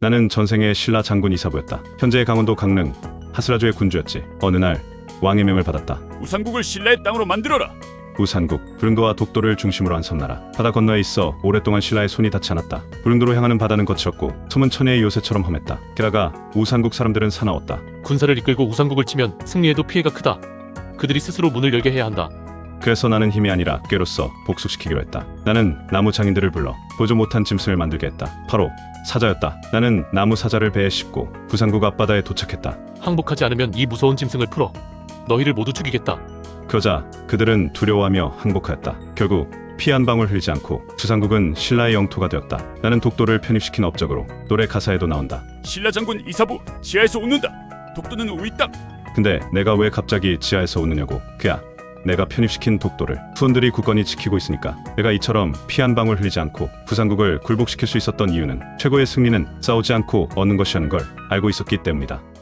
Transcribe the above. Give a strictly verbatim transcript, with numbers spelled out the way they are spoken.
나는 전생의 신라 장군 이사부였다. 현재의 강원도 강릉 하스라주의 군주였지. 어느 날 왕의 명을 받았다. 우상국을 신라의 땅으로 만들어라. 우산국, 부릉도와 독도를 중심으로 한 섬나라. 바다 건너에 있어 오랫동안 신라의 손이 닿지 않았다. 부릉도로 향하는 바다는 거칠었고 섬은 천혜의 요새처럼 험했다. 게다가 우산국 사람들은 사나웠다. 군사를 이끌고 우상국을 치면 승리해도 피해가 크다. 그들이 스스로 문을 열게 해야 한다. 그래서 나는 힘이 아니라 꾀로써 복수시키기로 했다. 나는 나무 장인들을 불러 보조 못한 짐승을 만들게 했다. 바로 사자였다. 나는 나무 사자를 배에 싣고 부산국 앞바다에 도착했다. 항복하지 않으면 이 무서운 짐승을 풀어 너희를 모두 죽이겠다. 그러자 그들은 두려워하며 항복하였다. 결국 피 한 방울 흘리지 않고 부산국은 신라의 영토가 되었다. 나는 독도를 편입시킨 업적으로 노래 가사에도 나온다. 신라 장군 이사부 지하에서 웃는다. 독도는 우리 땅. 근데 내가 왜 갑자기 지하에서 웃느냐고. 그야 내가 편입시킨 독도를 후원들이 굳건히 지키고 있으니까. 내가 이처럼 피 한 방울 흘리지 않고 부산국을 굴복시킬 수 있었던 이유는 최고의 승리는 싸우지 않고 얻는 것이라는 걸 알고 있었기 때문이다.